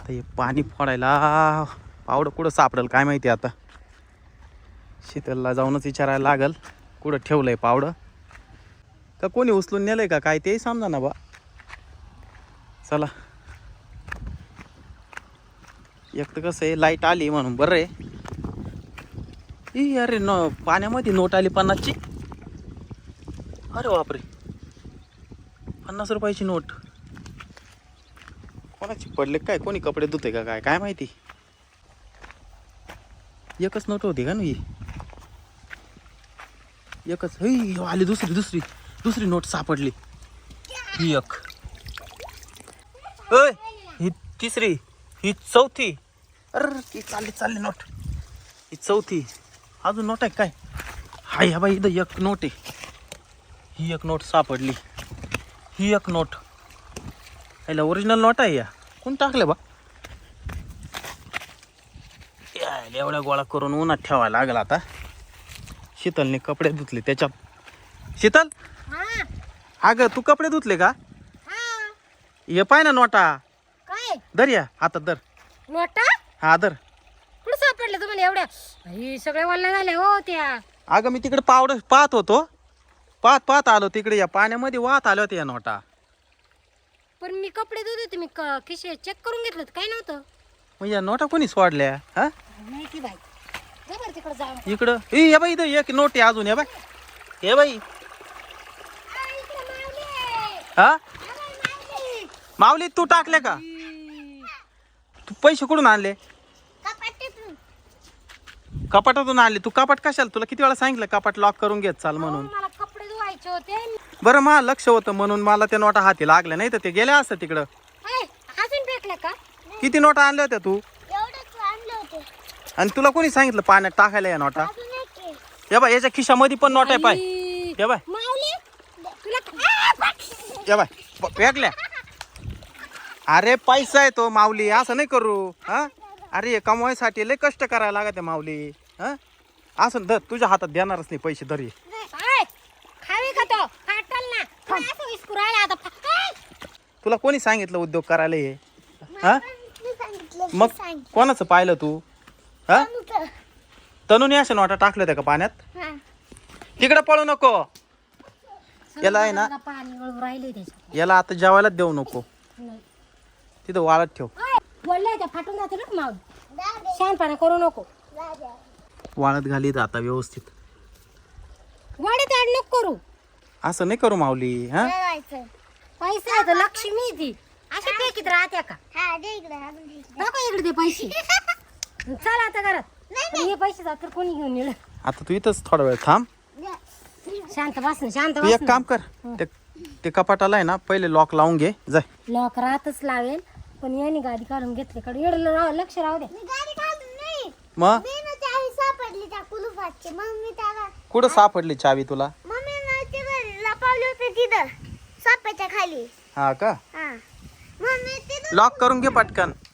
आता हे पाणी फोडायला पावडं कुठं सापडेल काय माहिती आता. शीतलला जाऊनच विचारायला लागल कुठं ठेवलंय पावडं, का कोणी उचलून नेलंय का काय तेही समजा ना बा. चला, एक तर कसं आहे लाईट आली म्हणून बरं आहे. अरे पाण्यामध्ये नोट आली 50ची. अरे बापरे, 50 रुपयाची नोट. कोणाची पडले काय, कोणी कपडे धुते का काय काय माहिती. एकच नोट होती का नाही, एकच. आली दुसरी नोट सापडली. ही एक, ही तिसरी, ही चौथी. अरे ती चालली नोट. ही चौथी. अजून नोट आहे काय. हाय हा बाई, इथं एक नोट आहे. ही एक नोट सापडली. ही एक नोट. याला ओरिजिनल नोट आहे. या कोण टाकले बा. एवढ्या गोळा करून उन्हात ठेवायला लागला आता. शीतलने कपडे धुतले त्याच्यात. शीतल, अगं तू कपडे धुतले का. ये पाय ना नोटा. काय धर, या हातात धर. नोटा हा धर. कुठं सापडलं तुम्हाला एवढ्या. ही सगळे वल्ल्या झाल्या हो त्या. अगं मी तिकडे पावडं पाहत होतो. पाहत आलो तिकडे. या पाण्यामध्ये वाहत आल्या होत्या या नोटा. पण मी कपडे धुत होते. मी खिशे चेक करून घेतलं काय नव्हतं. मग या नोटा कोणी सोडल्या. हा माहिती बाई, जा बरं तिकडे जाऊन. इकडं हे बाई, इथं एक नोट आहे अजून. हे बाई, हे बाई. हा माऊली, तू टाकले का. तू पैसे कुठून आणले. कपाटातून आणले. तू कपाट कशाला, तुला किती वेळा सांगितलं कपाट लॉक करून घेत चाल म्हणून. मला कपडे धुवायचे होते. बरं मला लक्ष होतं म्हणून मला त्या नोटा हाती लागल्या, नाही तर ते गेल्या असतं तिकडं. अजून फेकलं का. किती नोटा आणल्या होत्या तू. आणि तुला कोणी सांगितलं पाण्यात टाकायला या नोटा. हे बाय, याच्या खिशामध्ये पण नोट आहे पाय. हे बाय, हे बाय, फेकल्या. अरे पैसा आहे तो माऊली, असं नाही करू. हा अरे हे कमवायसाठी लय कष्ट करायला लागत आहे माऊली. हा असं धर, तुझ्या हातात देणारच नाही पैसे. धर खावे का तो फाटल ना. असं विस्कुरायला आता. तुला कोणी सांगितलं उद्योग करायला हे. हा मग कोणाचं पाहिलं तू. हा तनुने अशा नोटा टाकल्या होत्या का पाण्यात. तिकडे पळू नको. याला आहे ना, पाणी वळू राहिले त्याच्यात. याला आता जेवायलाच देऊ नको. तिथं वाळत ठेव. बोलले त्या फाटून जाते ना माऊली. शहाणपणा करू नको. वाळत घाली आता व्यवस्थित. वाड्यात ऍड नको करू. असं नाही करू माऊली. हा पैसे आहे तर लक्ष्मी ती अशी फेकीत राहत्या का. नको इकडे ते पैसे. चल आता घरात. हे पैसे जात कोणी घेऊन नेलं. आता तू इथंच थोडा वेळ थांब. शांत बस ना, शांत तू बस. एक काम कर, ते कपाटाला आहे ना पहिले लॉक लावून घे. जाय. लॉक राहतच लावेल, पण याने गाडी काढून घेतली कडे. एवढं लक्ष राहू दे. मग कुठं सापडली चावी तुला. खाली. हा का. लॉक करून घे पटकन.